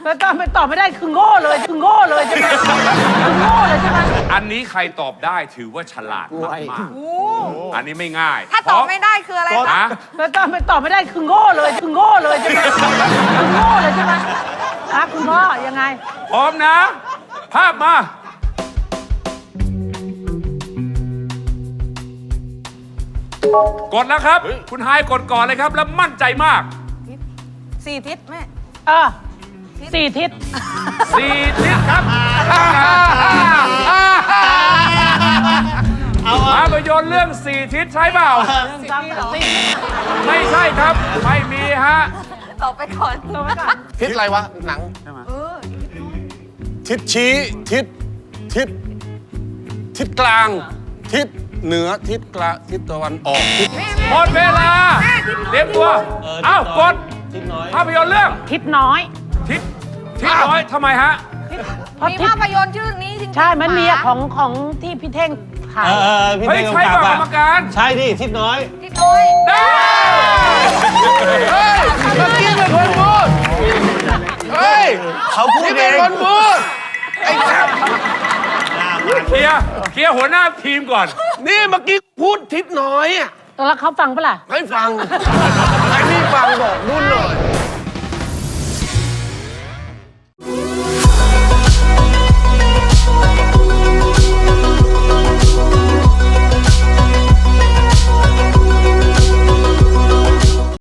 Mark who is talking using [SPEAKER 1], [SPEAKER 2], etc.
[SPEAKER 1] แล้วตอบไม่ได้คือโง่เลยใช่ไหมคือโง่เลยใช่ไหม
[SPEAKER 2] อันนี้ใครตอบได้ถือว่าฉลาดมากๆอันนี้ไม่ง่าย
[SPEAKER 3] ถ้าตอบไม่ได้คืออะไรคะ
[SPEAKER 2] นะ
[SPEAKER 1] แล้วตอบไม่ได้คือโง่เลยใช่ไหมคือโง่เลยใช่ไหมคุณพ่อยังไง
[SPEAKER 2] พร้อมนะ ภาพมา กดแล้วครับ คุณไฮายกดก่อนเลยครับ แล้วมั่นใจมาก
[SPEAKER 3] 4 ทิศแม่
[SPEAKER 1] 4 ทิศ
[SPEAKER 2] 4 ทิศครับภาพยนตร์เรื่อง 4 ทิศใช่เปล่า ไม่ใช่ครับ ไม่มีฮะ
[SPEAKER 3] ตอบไปก่อน
[SPEAKER 4] ทิศอะไรวะ หนังทิศชี้ทิศกลาง ทิศเหนือทิศกลางทิศตะวันออกทิศ
[SPEAKER 2] หมดเวลา เตรียมตัว อ้าวกดภาพยนตร์เรื่อง
[SPEAKER 1] ทิศน้อย
[SPEAKER 2] ทิศน้อยทำไมฮะ
[SPEAKER 3] มีภาพยนตร์ชื่อนี้จริงๆ
[SPEAKER 1] ใช่มันมีของที่พี่เท่งถ่าย
[SPEAKER 5] พี่
[SPEAKER 2] เฮ้ย
[SPEAKER 5] เท่ง
[SPEAKER 2] ใช่
[SPEAKER 5] กำกับ
[SPEAKER 2] เปล่ากรรมการ
[SPEAKER 5] ใช่ดิทิศน้อย
[SPEAKER 3] ทิศน้อย
[SPEAKER 2] ได้
[SPEAKER 4] เมื่อกี้เป็นคนพูดเฮ้ย
[SPEAKER 5] เขาพูด
[SPEAKER 4] นี่
[SPEAKER 5] เอ
[SPEAKER 4] เป็น
[SPEAKER 5] ง
[SPEAKER 4] คนพูดไอ้ครับ
[SPEAKER 2] เคลียร์หัวหน้าทีมก่อน
[SPEAKER 4] นี่เมื่อกี้พูดทิศน้อยอ่ะ
[SPEAKER 1] แล้วเขาฟังปะล่ะ
[SPEAKER 4] ให้ฟังให้พี่ฟังบอกนุ่นหน่อย